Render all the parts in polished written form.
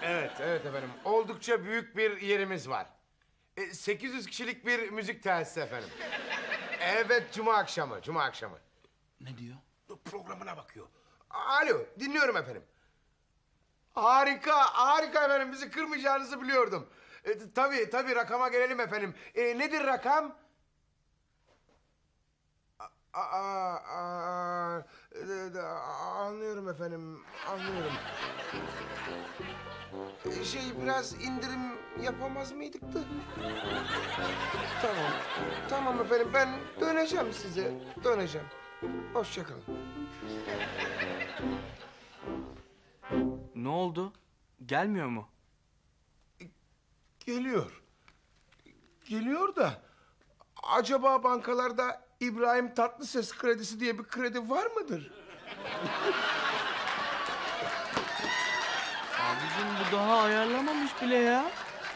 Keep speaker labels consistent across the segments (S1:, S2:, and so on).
S1: Evet efendim. Oldukça büyük bir yerimiz var. 800 kişilik bir müzik tesisi efendim. Evet, cuma akşamı.
S2: Ne diyor?
S1: Programına bakıyor. Alo, dinliyorum efendim. Harika efendim. Bizi kırmayacağınızı biliyordum. Tabii rakama gelelim efendim. Nedir rakam? Anlıyorum efendim, anlıyorum. Biraz indirim yapamaz mıydık da? Tamam efendim, ben döneceğim size, Hoşça kalın.
S3: Ne oldu? Gelmiyor mu?
S1: Geliyor da... Acaba bankalarda İbrahim Tatlıses kredisi diye bir kredi var mıdır?
S3: Abicim bu daha ayarlamamış bile ya.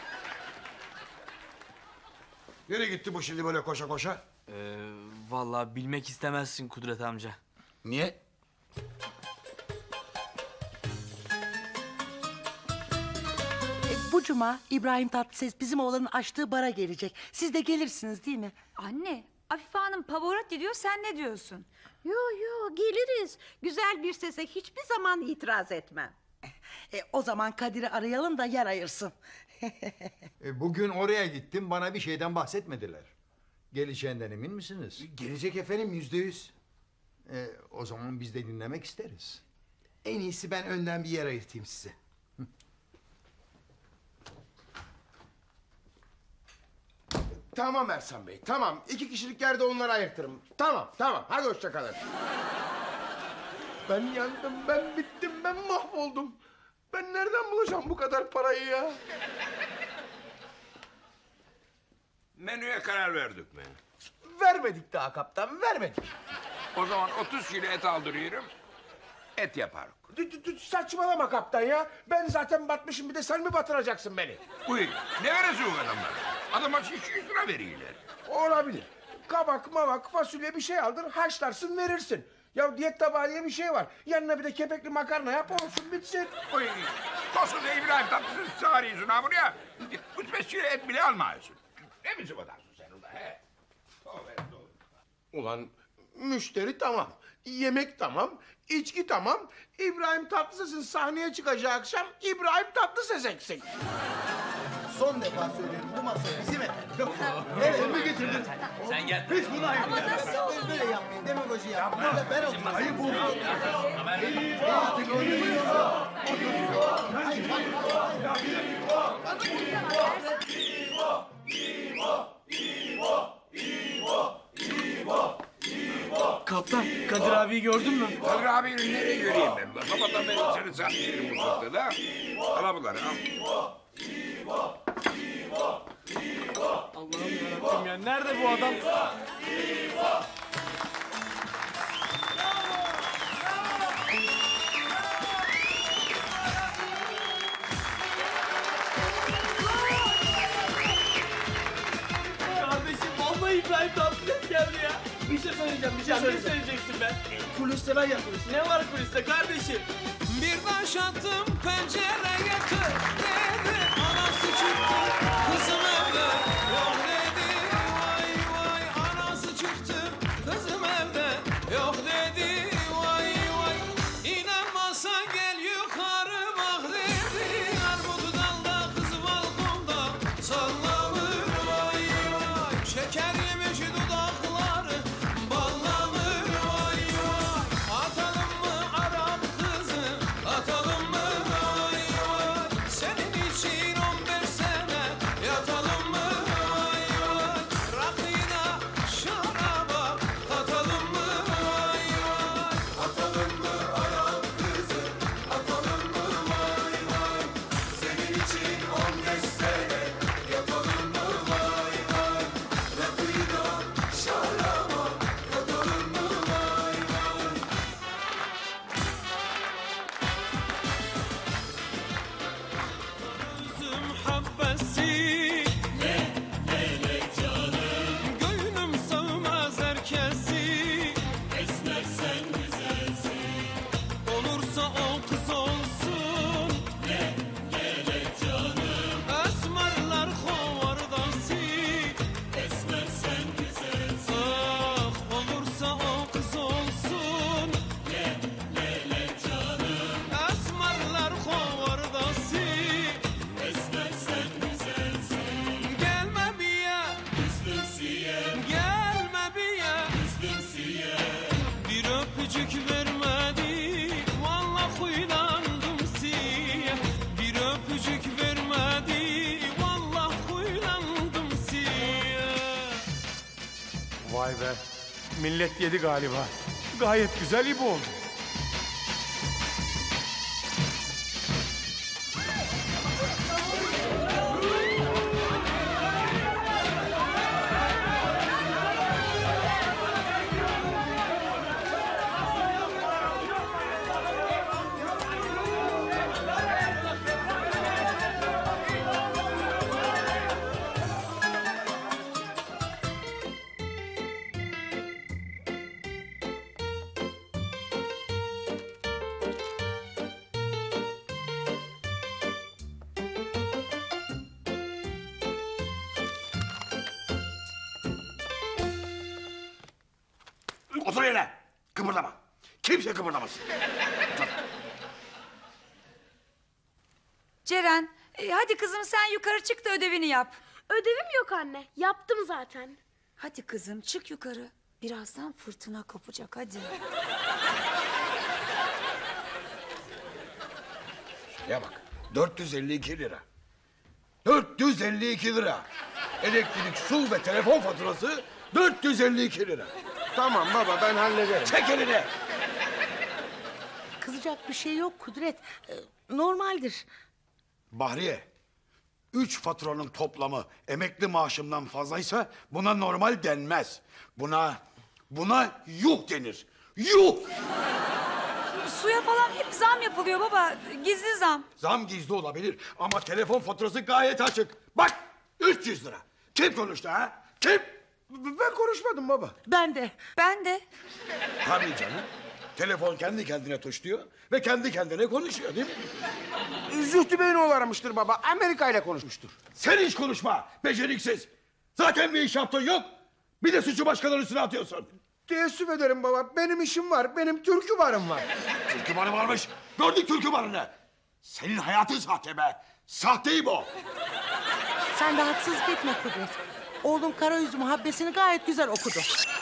S4: Nereye gitti bu şimdi böyle koşa koşa?
S3: Vallahi bilmek istemezsin Kudret amca.
S4: Niye?
S5: Bu cuma İbrahim Tatlıses bizim oğlanın açtığı bara gelecek. Siz de gelirsiniz değil mi?
S6: Anne, Afife Hanım Pavarotti diyor, sen ne diyorsun?
S7: Yo geliriz. Güzel bir sese hiçbir zaman itiraz etmem.
S5: O zaman Kadir'i arayalım da yer ayırsın.
S8: Bugün oraya gittim, bana bir şeyden bahsetmediler. Geleceğinden emin misiniz?
S4: Gelecek efendim, %100.
S8: O zaman biz de dinlemek isteriz.
S4: En iyisi ben önden bir yer ayırtayım size.
S1: Tamam Ersan Bey, tamam. 2 kişilik yerde onları ayırtırım. Tamam. Hadi hoşça kalın. Ben yandım, ben bittim, ben mahvoldum. Ben nereden bulacağım bu kadar parayı ya?
S9: Menüye karar verdik mi?
S1: Vermedik daha kaptan, vermedik.
S9: O zaman 30 kilo et aldırıyorum. Et yaparız.
S1: Saçmalama kaptan ya. Ben zaten batmışım, bir de sen mi batıracaksın beni?
S9: Uy, ne verirsin o adamlar? Adama 200 lira veriyorlar.
S1: Olabilir. Kabak, mavak, fasulye bir şey aldır, haşlarsın verirsin. Ya diyet tabağı diye bir şey var. Yanına bir de kepekli makarna yap, olsun bitsin.
S9: Uy, koskoca İbrahim Tatlıses'i çağırıyorsun ha buraya. 3-5 kilo et bile almıyorsun. Ne biçim adamsın sen ulan he?
S1: Ulan müşteri tamam, yemek tamam, içki tamam. İbrahim Tatlıses'in sahneye çıkacağı akşam İbrahim Tatlıses eksik.
S4: Son defa söylüyorum, bu masa bizim efendim. Evet, mi getirdin?
S3: Sen gel.
S4: Hiç buna ayıp. Böyle yapmayın, demagoji yapmayın. Burada ben oturuyorum. Ayıp oldu.
S3: Kaptan, Kadir abiyi gördün mü?
S9: Kadir abi nereye göreyim ben? Sabahtan beri seni satmıyorum mutfakta da. Al bunları al.
S3: Allah'ım yarabbim ya. Nerede bu adam? Kardeşim vallahi İbrahim Tatlıses geldi ya. Bir şey söyleyeceğim. Ne söyleyeceksin ben?
S4: Kuliste ben yapıyorum.
S3: Ne var kuliste kardeşim?
S10: Bir taş attım pencereye tır dedi. Anası çıktı kızım evde yok dedi. Vay anası çıktı kızım evde yok dedi. Vay inanmazsa gel yukarı bak dedi. Armut dalda kız balkonda sallanır vay şeker yemiş dudakları ballanır vay atalım mı Arap kızı atalım mı vay
S1: Vay be. Millet yedi galiba. Gayet güzel İbo oldu.
S9: Otur yerine. Kıpırdama. Kimse kıpırdamasın.
S6: Ceren, hadi kızım sen yukarı çık da ödevini yap.
S2: Ödevim yok anne. Yaptım zaten.
S6: Hadi kızım çık yukarı. Birazdan fırtına kopacak hadi.
S9: Şuraya bak. 452 lira. 452 lira. Elektrik, su ve telefon faturası 452 lira.
S1: Tamam baba, ben hallederim.
S9: Çek elini.
S5: Kızacak bir şey yok Kudret. Normaldir.
S9: Bahriye, 3 faturanın toplamı emekli maaşımdan fazlaysa buna normal denmez. Buna yuh denir. Yuh!
S6: Suya falan hep zam yapılıyor baba. Gizli zam.
S9: Zam gizli olabilir ama telefon faturası gayet açık. Bak, 300 lira. Kim konuştu ha? Kim?
S1: Ben konuşmadım baba.
S5: Ben de.
S6: Ben de.
S9: Tabii canım. Telefon kendi kendine tuşluyor ve kendi kendine konuşuyor değil mi?
S1: Zühtü Bey'in oğlu aramıştır baba. Amerika ile konuşmuştur.
S9: Sen hiç konuşma, beceriksiz. Zaten bir iş yaptığın yok. Bir de suçu başkalarının üstüne atıyorsun.
S1: Teessüf ederim baba. Benim işim var. Benim türkü barım var.
S9: Türkü barı varmış. Gördük türkü barını. Senin hayatın sahte be. Sahteyim o.
S5: Sen de haksızlık etme Kudret. Oğlum Karayüzü muhabbesini gayet güzel okudu.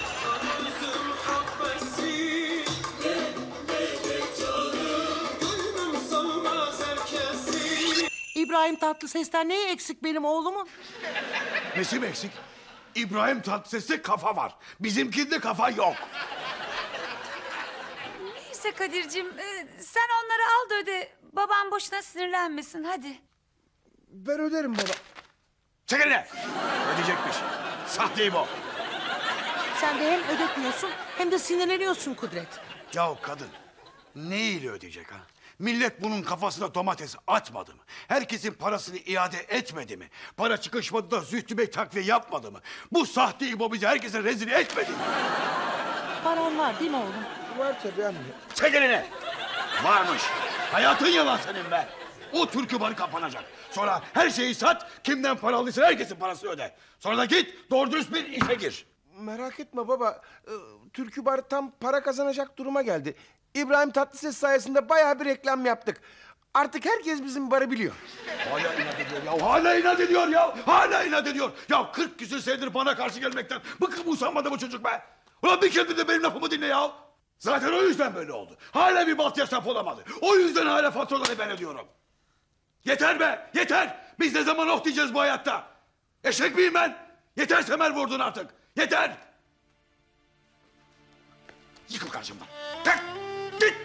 S5: İbrahim Tatlıses'ten neyi eksik benim oğlumun?
S9: Nesi mi eksik? İbrahim Tatlıses'te kafa var. Bizimkinde kafa yok.
S6: Neyse Kadir'cim sen onları al da öde. Babam boşuna sinirlenmesin hadi.
S1: Ben öderim baba.
S9: Çek eline. Ödeyecekmiş. Sahteyim o.
S5: Sen de hem ödetmiyorsun hem de sinirleniyorsun Kudret.
S9: Ya kadın neyle ödeyecek ha? Millet bunun kafasına domates atmadı mı? Herkesin parasını iade etmedi mi? Para çıkışmadı da Zühtü Bey takviye yapmadı mı? Bu sahte İbo bizi herkese rezil etmedi mi?
S5: Paran var değil mi oğlum?
S1: Var tabii anne.
S9: Çek elini. Varmış. Hayatın yalan senin be. O türkü barı kapanacak. Sonra her şeyi sat, kimden para aldıysa herkesin parasını öde. Sonra da git doğru dürüst bir işe gir.
S1: Merak etme baba. Türkü bar tam para kazanacak duruma geldi. İbrahim Tatlıses sayesinde bayağı bir reklam yaptık. Artık herkes bizim barı biliyor.
S9: Hala inat ediyor ya. Hala inat ediyor ya. Hala inat ediyor. Ya 40 küsür senedir bana karşı gelmekten bıkıp usanmadı bu çocuk be. Ulan bir kere de benim lafımı dinle ya. Zaten o yüzden böyle oldu. Hala bir balt yasaf olamadı. O yüzden hala faturaları ben ödüyorum. Yeter be, yeter. Biz ne zaman oh diyeceğiz bu hayatta? Eşek miyim ben? Yeter semer vurdun artık. Yeter. Yıkıl karşımdan. Kalk, git.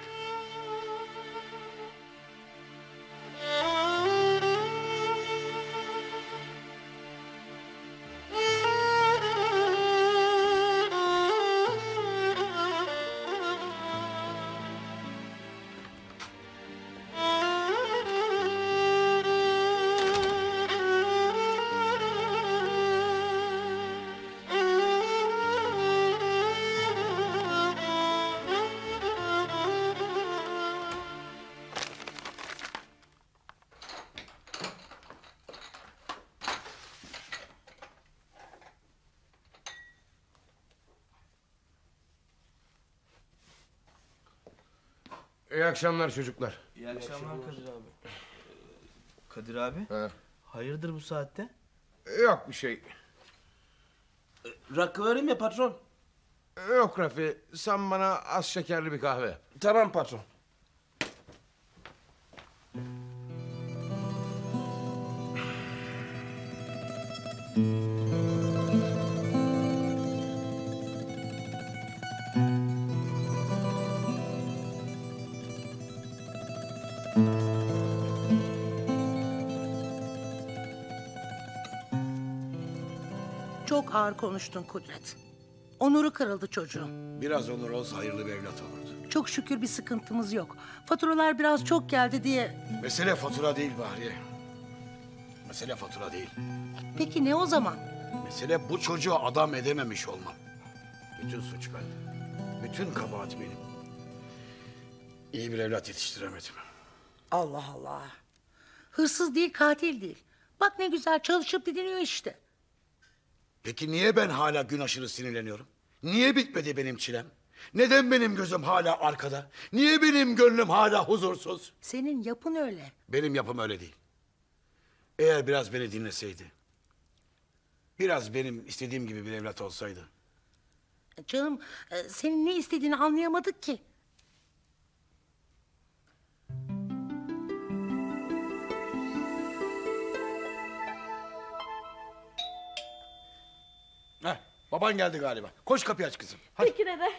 S1: İyi akşamlar çocuklar.
S3: İyi akşamlar Kadir abi. Kadir abi?
S1: Ha.
S3: Hayırdır bu saatte?
S1: Yok bir şey.
S3: Rakı vereyim ya patron.
S1: Yok Rafi. Sen bana az şekerli bir kahve.
S3: Tamam patron.
S5: Çok ağır konuştun Kudret. Onuru kırıldı çocuğun.
S9: Biraz onur olsa hayırlı bir evlat olurdu.
S5: Çok şükür bir sıkıntımız yok. Faturalar biraz çok geldi diye.
S9: Mesele fatura değil Bahriye. Mesele fatura değil.
S5: Peki ne o zaman?
S9: Mesele bu çocuğu adam edememiş olmam. Bütün suç bende. Bütün kabahat benim. İyi bir evlat yetiştiremedim.
S5: Allah Allah. Hırsız değil, katil değil. Bak ne güzel çalışıp didiniyor işte.
S9: Peki niye ben hala gün aşırı sinirleniyorum? Niye bitmedi benim çilem? Neden benim gözüm hala arkada? Niye benim gönlüm hala huzursuz?
S5: Senin yapın öyle.
S9: Benim yapım öyle değil. Eğer biraz beni dinleseydi... ...biraz benim istediğim gibi bir evlat olsaydı...
S5: Canım senin ne istediğini anlayamadık ki.
S9: Heh, baban geldi galiba. Koş kapıyı aç kızım. Hadi.
S2: Peki dede.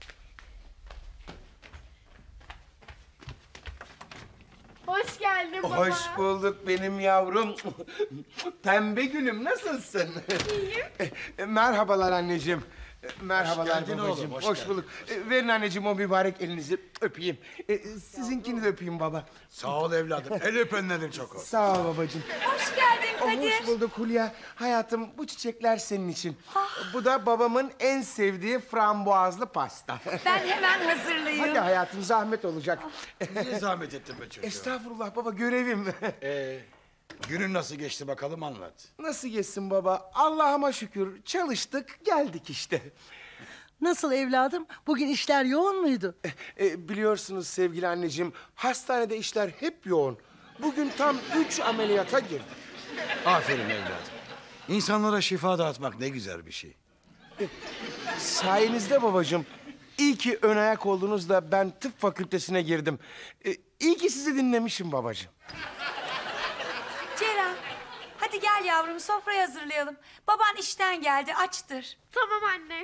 S2: Hoş geldin baba.
S1: Hoş bulduk benim yavrum. Pembe gülüm nasılsın? İyiyim. Merhabalar anneciğim. Merhabalar
S9: geldin
S1: babacığım.
S9: oğlum,
S1: Hoş,
S9: hoş
S1: bulduk. Verin anneciğim o mübarek elinizi öpeyim. Sizinkini de öpeyim baba.
S9: Sağ ol evladım. El öpenlerin çok olsun.
S1: Sağ ol babacığım.
S6: Hoş geldin Kadir.
S1: Hoş bulduk Hulya. Hayatım bu çiçekler senin için. Bu da babamın en sevdiği frambuazlı pasta.
S6: Ben hemen hazırlayayım.
S1: Hadi hayatım zahmet olacak.
S9: Niye zahmet ettin be çocuğum?
S1: Estağfurullah baba görevim.
S9: Günün nasıl geçti bakalım anlat.
S1: Nasıl geçsin baba? Allah'ıma şükür çalıştık geldik işte.
S5: Nasıl evladım? Bugün işler yoğun muydu?
S1: Biliyorsunuz sevgili anneciğim hastanede işler hep yoğun. Bugün tam 3 ameliyata girdim.
S9: Aferin evladım. İnsanlara şifa dağıtmak ne güzel bir şey.
S1: Sayenizde babacığım. İyi ki ön ayak oldunuz da ben tıp fakültesine girdim. İyi ki sizi dinlemişim babacığım.
S6: Ceren, hadi gel yavrum sofrayı hazırlayalım. Baban işten geldi açtır.
S2: Tamam anne.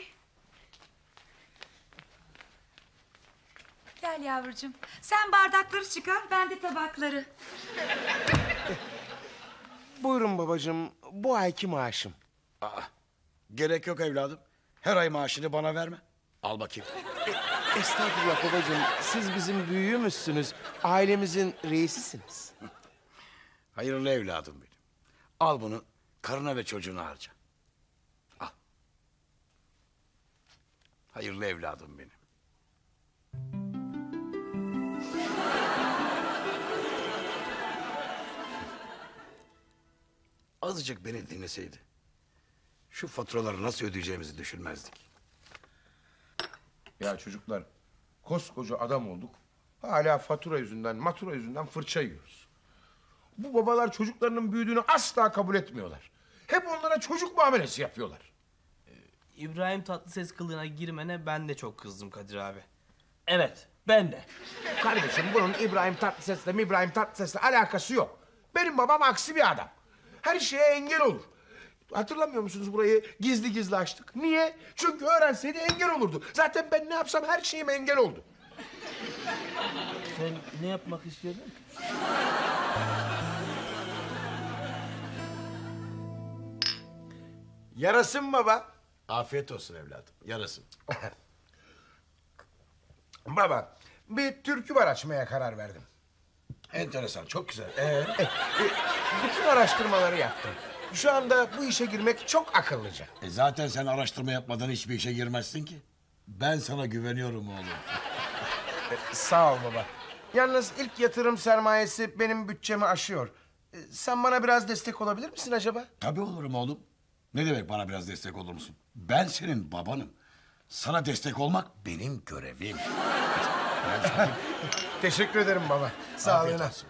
S6: Gel yavrucuğum. Sen bardakları çıkar, ben de tabakları.
S1: Buyurun babacığım bu ayki maaşım.
S9: Gerek yok evladım. Her ay maaşını bana verme. Al bakayım.
S1: Estağfurullah babacığım siz bizim büyüğümüzsünüz. Ailemizin reisisiniz.
S9: Hayırlı evladım benim. Al bunu karına ve çocuğuna harca. Al. Hayırlı evladım benim. Azıcık beni dinleseydi... ...şu faturaları nasıl ödeyeceğimizi düşünmezdik.
S1: Ya çocuklar koskoca adam olduk. Hala fatura yüzünden matura yüzünden fırça yiyoruz. Bu babalar çocuklarının büyüdüğünü asla kabul etmiyorlar. Hep onlara çocuk muamelesi yapıyorlar.
S3: İbrahim Tatlıses kılığına girmene ben de çok kızdım Kadir abi. Evet, ben de.
S1: Kardeşim bunun İbrahim Tatlıses'le alakası yok. Benim babam aksi bir adam. Her şeye engel olur. Hatırlamıyor musunuz burayı gizli gizli açtık? Niye? Çünkü öğrenseydi engel olurdu. Zaten ben ne yapsam her şeyim engel oldu.
S3: Sen ne yapmak istiyordun?
S1: Yarasın baba.
S9: Afiyet olsun evladım, yarasın.
S1: Baba bir türkü var açmaya karar verdim.
S9: Enteresan, çok güzel.
S1: Bütün araştırmaları yaptım. Şu anda bu işe girmek çok akıllıca.
S9: Zaten sen araştırma yapmadan hiçbir işe girmezsin ki. Ben sana güveniyorum oğlum.
S1: Sağ ol baba. Yalnız ilk yatırım sermayesi benim bütçemi aşıyor. Sen bana biraz destek olabilir misin acaba?
S9: Tabii olurum oğlum. Ne demek bana biraz destek olur musun? Ben senin babanım. Sana destek olmak benim görevim.
S1: Teşekkür ederim baba.
S9: Afiyet
S1: Sağlığına.
S9: olsun.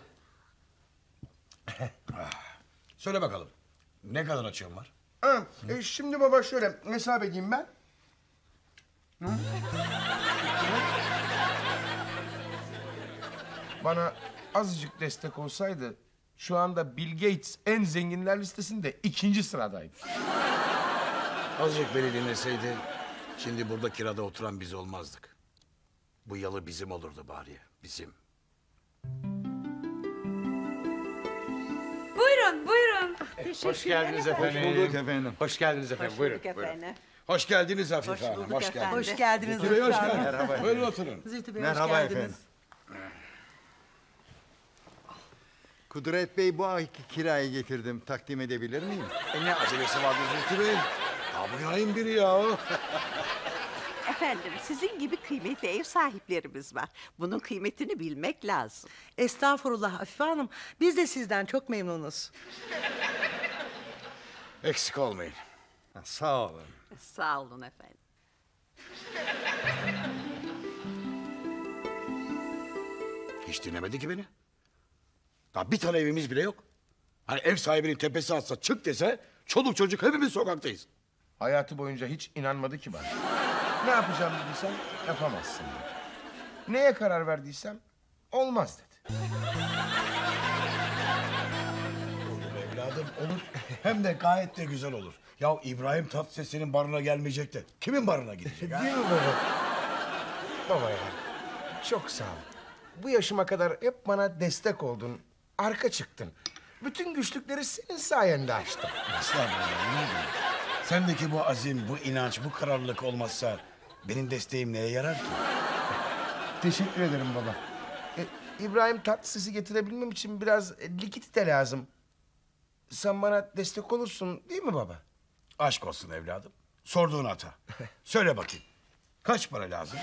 S9: Söyle bakalım. Ne kadar açığın var?
S1: Ha, şimdi baba şöyle hesap edeyim ben. Hı? Bana azıcık destek olsaydı şu anda Bill Gates en zenginler listesinde 2. sıradaydı.
S9: Azıcık beni dinleseydi... ...şimdi burada kirada oturan biz olmazdık. Bu yalı bizim olurdu bari. Bizim.
S6: Buyurun, buyurun.
S1: Hoş geldiniz efendim.
S8: Hoş bulduk efendim.
S1: Hoş geldiniz efendim. Buyurun.
S7: efendim.
S9: Hoş geldiniz Afife
S7: Hoş
S9: Hanım.
S7: bulduk
S9: Hoş geldiniz.
S7: efendim.
S5: Hoş geldiniz.
S9: Zühtü Bey hoş
S5: Zühtü Hanım.
S9: geldiniz. Buyurun oturun.
S5: Zühtü Bey,
S8: Merhaba
S5: hoş geldiniz.
S8: efendim. Kudret Bey bu ayki kirayı getirdim. Takdim edebilir miyim?
S9: Ne acelesi vardı Zühtü Bey? Ya bu ayın biri ya.
S7: Efendim sizin gibi kıymetli ev sahiplerimiz var. Bunun kıymetini bilmek lazım.
S5: Estağfurullah Afife Hanım. Biz de sizden çok memnunuz.
S9: Eksik olmayın.
S8: Ha, sağ olun.
S7: Sağ olun efendim.
S9: Hiç dinlemedi ki beni. Daha bir tane evimiz bile yok. Hani ev sahibinin tepesi atsa çık dese çoluk çocuk hepimiz sokaktayız.
S1: Hayatı boyunca hiç inanmadı ki bana. Ne yapacağım dediysem yapamazsın dedi. Neye karar verdiysem olmaz dedi.
S9: Olur evladım olur. Hem de gayet de güzel olur. Ya İbrahim Tatlıses'in barına gelmeyecek de kimin barına gidecek ha?
S1: Değil mi baba? Baba ya, çok sağ ol. Bu yaşıma kadar hep bana destek oldun, arka çıktın. Bütün güçlükleri senin sayende açtım.
S9: Estağfurullah ne diyeyim? Sendeki bu azim, bu inanç, bu kararlılık olmazsa benim desteğim neye yarar ki?
S1: Teşekkür ederim baba. İbrahim Tatlıses'i getirebilmem için biraz likit de lazım. Sen bana destek olursun değil mi baba?
S9: Aşk olsun evladım. Sorduğun hata. Söyle bakayım. Kaç para lazım?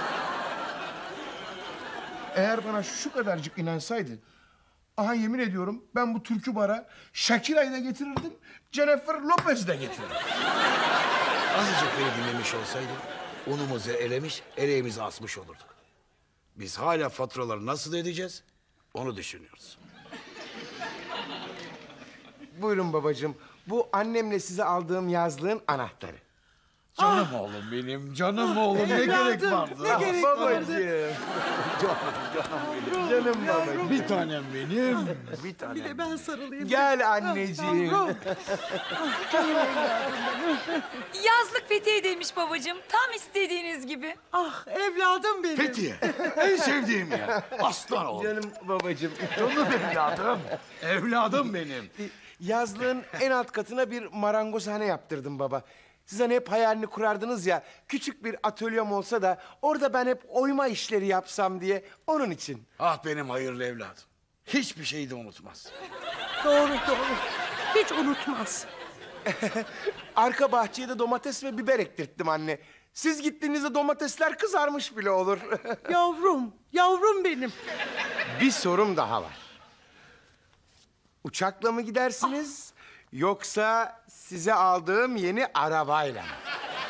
S1: Eğer bana şu kadarcık inansaydı... Aha yemin ediyorum ben bu türkü bara Shakira'yı da getirirdim, Jennifer Lopez'i de getirirdim.
S9: Azıcık beni dinlemiş olsaydı unumuzu elemiş, eleğimizi asmış olurduk. Biz hala faturaları nasıl ödeyeceğiz onu düşünüyoruz.
S1: Buyurun babacığım, bu annemle size aldığım yazlığın anahtarı.
S9: Canım oğlum benim, canım oğlum ne gerek vardı?
S5: Ne gerek
S1: Babacığım. Canım babacığım.
S9: Bir tanem benim.
S1: Bir tane.
S5: Bir de ben sarılayım.
S1: Gel anneciğim.
S5: Yavrum.
S6: Yazlık Fethiye'deymiş babacığım. Tam istediğiniz gibi.
S5: Ah evladım benim.
S9: Fethiye, en sevdiğim yer. Aslan oğlum.
S1: Canım babacığım.
S9: Canım evladım. Evladım benim.
S1: Yazlığın en alt katına bir marangozhane yaptırdım baba. Siz hani hep hayalini kurardınız ya, küçük bir atölyem olsa da orada ben hep oyma işleri yapsam diye, onun için.
S9: Ah benim hayırlı evladım. Hiçbir şeyi de unutmaz.
S5: Doğru. Hiç unutmaz.
S1: Arka bahçeye de domates ve biber ektirttim anne. Siz gittiğinizde domatesler kızarmış bile olur.
S5: Yavrum benim.
S1: Bir sorum daha var. Uçakla mı gidersiniz, yoksa size aldığım yeni arabayla mı?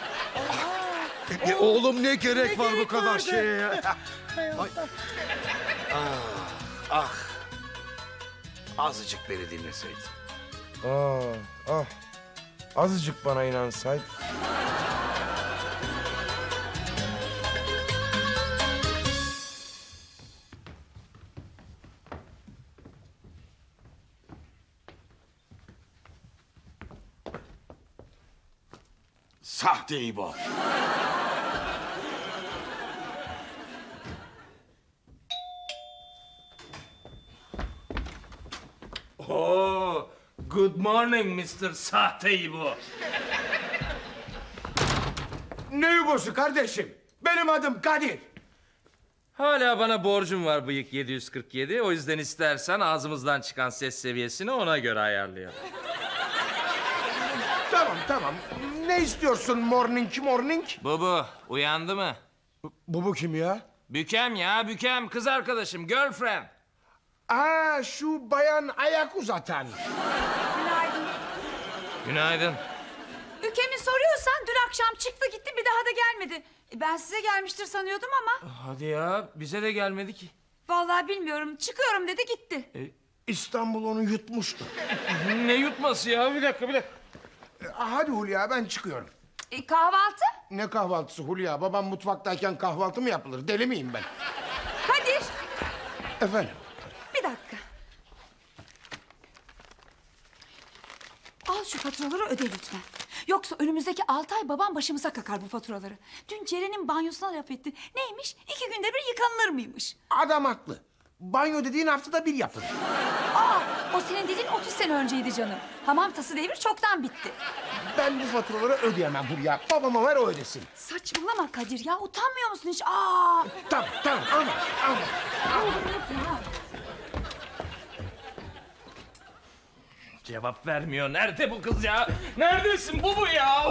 S9: Oğlum ne gerek
S5: Ne
S9: var bu
S5: gerek
S9: kadar
S5: vardı?
S9: şeye ya? Ah. Azıcık beni dinleseydin.
S1: Azıcık bana inansaydı.
S9: Sahte İbo.
S3: Oo, good morning Mr. Sahte İbo.
S1: Ne yugosu kardeşim? Benim adım Kadir.
S11: Hala bana borcum var bıyık 747. O yüzden istersen ağzımızdan çıkan ses seviyesini ona göre ayarlayalım.
S1: Tamam. Ne istiyorsun morning?
S11: Bubu uyandı mı?
S1: Bu kim ya?
S11: Bükem ya Bükem, kız arkadaşım, girlfriend.
S1: Aa, şu bayan ayak uzatan.
S6: Günaydın.
S11: Günaydın.
S6: Ülkemi soruyorsan dün akşam çıktı gitti bir daha da gelmedi. Ben size gelmiştir sanıyordum ama.
S11: Hadi ya, bize de gelmedi ki.
S6: Vallahi bilmiyorum. Çıkıyorum dedi gitti.
S1: İstanbul onu yutmuştu.
S11: Ne yutması ya? Bir dakika.
S1: Hadi Hulya, ben çıkıyorum.
S6: Kahvaltı?
S1: Ne kahvaltısı Hulya? Babam mutfaktayken kahvaltı mı yapılır? Deli miyim ben?
S6: Kadir.
S1: Efendim?
S6: Bir dakika. Al şu faturaları öde lütfen. Yoksa önümüzdeki 6 ay babam başımıza kakar bu faturaları. Dün Ceren'in banyosuna laf etti. Neymiş? 2 günde bir yıkanılır mıymış?
S1: Adam haklı. Banyo dediğin haftada bir yapın.
S6: Aa, o senin dediğin 30 sene önceydi canım. Hamam tası devri çoktan bitti.
S1: Ben bu faturaları ödeyemem Hülya. Babama ver o ödesin.
S6: Saçmalama Kadir ya, utanmıyor musun hiç? Aa!
S1: Tamam ama.
S11: Cevap vermiyor. Nerede bu kız ya? Neredesin? Bu ya?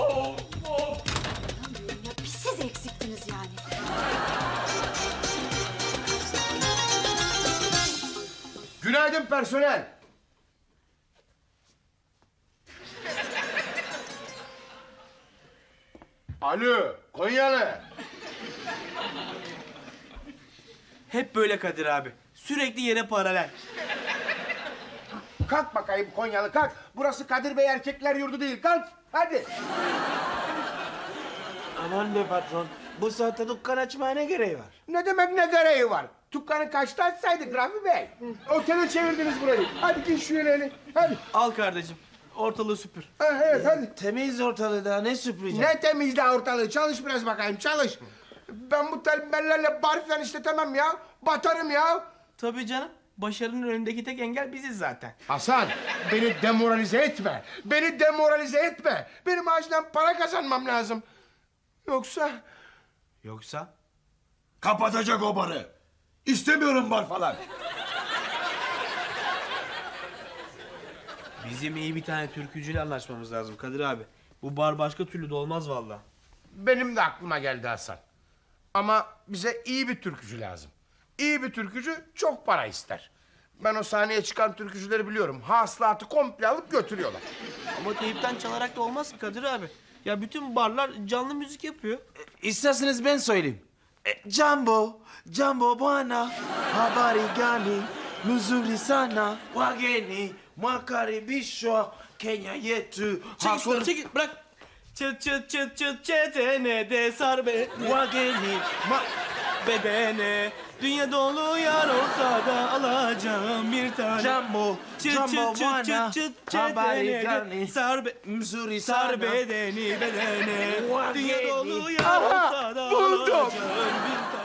S6: Bir siz eksiktiniz yani.
S1: Günaydın personel. Alo, Konyalı.
S3: Hep böyle Kadir abi. Sürekli yere paralel.
S1: Kalk bakayım Konyalı kalk. Burası Kadir Bey Erkekler Yurdu değil. Kalk hadi.
S4: Aman be patron. Bu saatte dükkan açmaya ne gereği var?
S1: Ne demek ne gereği var? Dükkanı kaçta açsaydık Rafi Bey? Otele çevirdiniz burayı. Hadi giy şu yeleğini. Hadi.
S3: Al kardeşim. Ortalığı süpür.
S1: Ha, evet hadi.
S4: Temiz ortalığı daha ne süpüreceğim?
S1: Ne temizle ortalığı. Çalış biraz bakayım çalış. Ben bu tembellerle bar falan işletemem ya. Batarım ya.
S3: Tabii canım. Başarının önündeki tek engel biziz zaten.
S1: Hasan beni demoralize etme. Beni demoralize etme. Benim acilen para kazanmam lazım.
S3: Yoksa?
S9: Kapatacak o barı. İstemiyorum bar falan.
S3: Bizim iyi bir tane türkücüyle anlaşmamız lazım Kadir abi. Bu bar başka türlü de olmaz vallahi.
S1: Benim de aklıma geldi Hasan. Ama bize iyi bir türkücü lazım. İyi bir türkücü çok para ister. Ben o sahneye çıkan türkücüleri biliyorum. Hasılatı komple alıp götürüyorlar.
S3: Ama teyipten çalarak da olmaz ki Kadir abi. Ya bütün barlar canlı müzik yapıyor.
S4: İsterseniz ben söyleyeyim. Jambo bwana, habari gani? Nzuri sana, wageni mwakaribishwa Kenya yetu.
S3: Çekil bırak. Çıt çıt çıt çıt çetene de sar be.
S4: Wageni
S3: Bedene. Dünya dolu yar olsa da alacağım bir tane.
S4: Jambo bwana, habari
S3: çetene de
S4: gani?
S3: sar be.
S4: Nzuri
S3: Sar
S4: sana.
S3: bedeni bedene.
S4: Wageni.
S3: Dünya dolu yar
S1: Aha,
S3: olsa da
S1: buldum.
S3: alacağım bir tane.